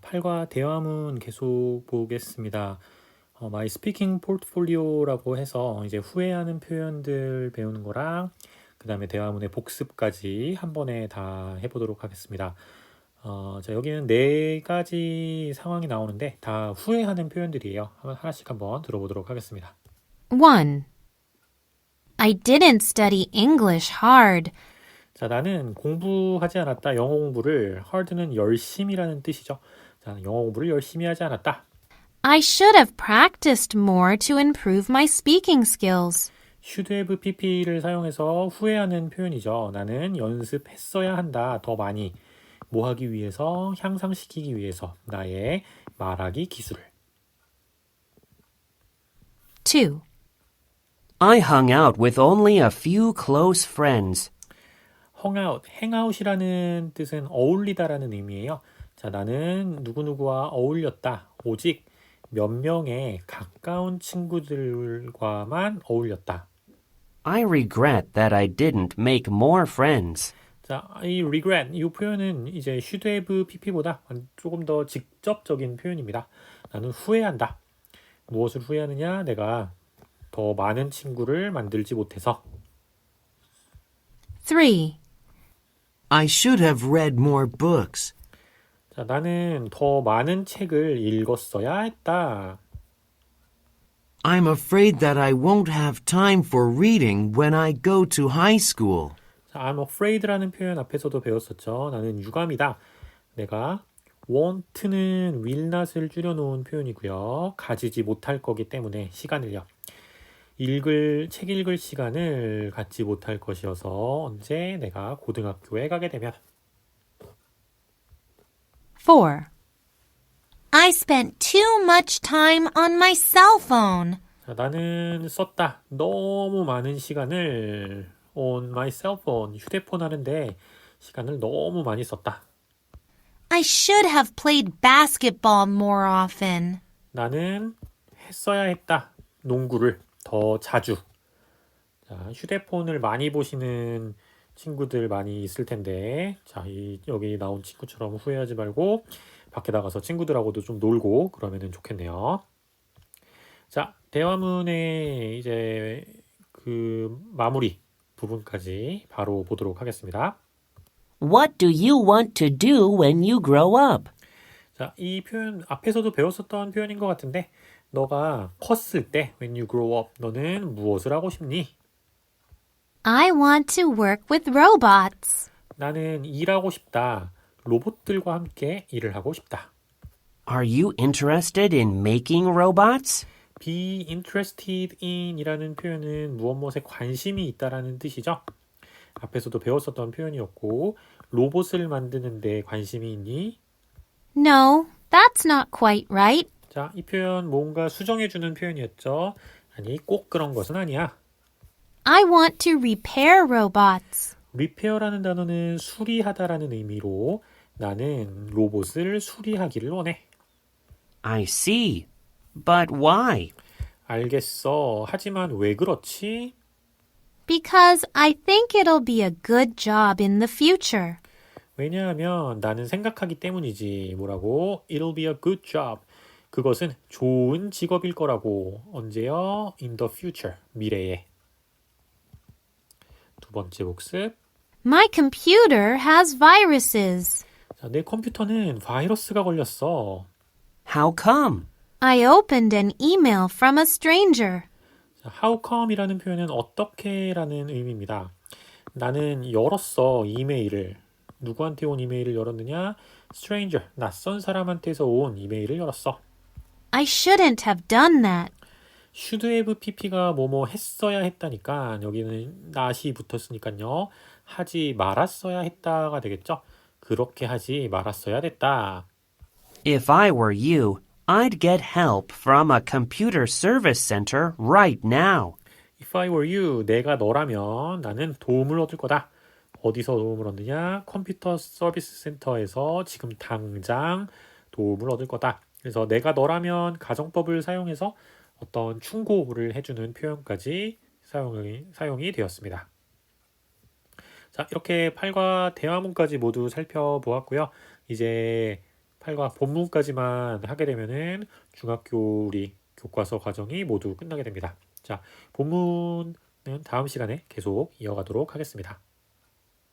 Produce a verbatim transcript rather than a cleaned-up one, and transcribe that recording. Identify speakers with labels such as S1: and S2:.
S1: 팔과 대화문 계속 보겠습니다. 어, My Speaking Portfolio라고 해서 이제 후회하는 표현들 배우는 거랑 그 다음에 대화문의 복습까지 한 번에 다 해보도록 하겠습니다. 어, 자, 여기는 네 가지 상황이 나오는데 다 후회하는 표현들이에요. 한번 하나씩 한번 들어보도록 하겠습니다.
S2: one. I didn't study English hard.
S1: 자, 나는 공부하지 않았다. 영어 공부를 hard는 열심이라는 뜻이죠. 자, 영어 공부를 열심히 하지 않았다.
S2: I should have practiced more to improve my speaking skills.
S1: should have pp를 사용해서 후회하는 표현이죠. 나는 연습했어야 한다. 더 많이. 뭐 하기 위해서? 향상시키기 위해서. 나의 말하기 기술을.
S2: two.
S3: I hung out with only a few close friends.
S1: hung out, hangout이라는 뜻은 어울리다라는 의미예요. 자, 나는 누구누구와 어울렸다. 오직 몇 명의 가까운 친구들과만 어울렸다.
S3: I regret that I didn't make more friends.
S1: 자, 이 regret, 이 표현은 이제 should have pp보다 조금 더 직접적인 표현입니다. 나는 후회한다. 무엇을 후회하느냐? 내가 더 많은 친구를 만들지 못해서.
S2: three.
S4: I should have read more books.
S1: 자, 나는 더 많은 책을 읽었어야 했다.
S4: I'm afraid that I won't have time for reading when I go to high school.
S1: 자, I'm afraid라는 표현 앞에서도 배웠었죠. 나는 유감이다. 내가 won't는 will not을 줄여놓은 표현이고요. 가지지 못할 거기 때문에 시간을요. 읽을, 책 읽을 시간을 갖지 못할 것이어서 언제 내가 고등학교에 가게 되면.
S2: four. I spent too much time on my cell phone.
S1: 자, 나는 썼다. 너무 많은 시간을 on my cell phone, 휴대폰 하는데 시간을 너무 많이 썼다.
S2: I should have played basketball more often.
S1: 나는 했어야 했다. 농구를 더 자주. 자, 휴대폰을 많이 보시는 친구들 많이 있을 텐데, 자, 이, 여기 나온 친구처럼 후회하지 말고 밖에 나가서 친구들하고도 좀 놀고 그러면 좋겠네요. 자, 대화문의 이제 그 마무리 부분까지 바로 보도록 하겠습니다.
S3: What do you want to do when you grow up?
S1: 자, 이 표현 앞에서도 배웠었던 표현인 것 같은데, 너가 컸을 때, when you grow up, 너는 무엇을 하고 싶니?
S2: I want to work with robots.
S1: 나는 일하고 싶다. 로봇들과 함께 일을 하고 싶다.
S3: Are you interested in making robots?
S1: be interested in 이라는 표현은 무엇 무엇에 관심이 있다라는 뜻이죠. 앞에서도 배웠었던 표현이었고, 로봇을 만드는 데 관심이 있니?
S2: No, that's not quite right.
S1: 자, 이 표현 뭔가 수정해주는 표현이었죠. 아니, 꼭 그런 것은 아니야.
S2: I want to repair robots.
S1: repair라는 단어는 수리하다라는 의미로 나는 로봇을 수리하기를 원해.
S3: I see. But why?
S1: 알겠어. 하지만 왜 그렇지?
S2: Because I think it'll be a good job in the future.
S1: 왜냐하면 나는 생각하기 때문이지. 뭐라고? It'll be a good job. 그것은 좋은 직업일 거라고. 언제요? In the future. 미래에. 두 번째 복습.
S2: My computer has viruses.
S1: 자, 내 컴퓨터는 바이러스가 걸렸어.
S3: How come?
S2: I opened an email from a stranger.
S1: 자, how come이라는 표현은 어떻게라는 의미입니다. 나는 열었어. 이메일을. 누구한테 온 이메일을 열었느냐? stranger, 낯선 사람한테서 온 이메일을 열었어.
S2: I shouldn't have done that.
S1: should have pp가 뭐뭐 했어야 했다니까 여기는 not이 붙었으니까요. 하지 말았어야 했다가 되겠죠. 그렇게 하지 말았어야 됐다.
S3: If I were you, I'd get help from a computer service center right now.
S1: If I were you, 내가 너라면 나는 도움을 얻을 거다. 어디서 도움을 얻느냐? 컴퓨터 서비스 센터에서 지금 당장 도움을 얻을 거다. 그래서 내가 너라면 가정법을 사용해서 어떤 충고를 해주는 표현까지 사용이, 사용이 되었습니다. 자, 이렇게 팔과 대화문까지 모두 살펴보았고요. 이제 팔과 본문까지만 하게 되면은 중학교 우리 교과서 과정이 모두 끝나게 됩니다. 자, 본문은 다음 시간에 계속 이어가도록 하겠습니다.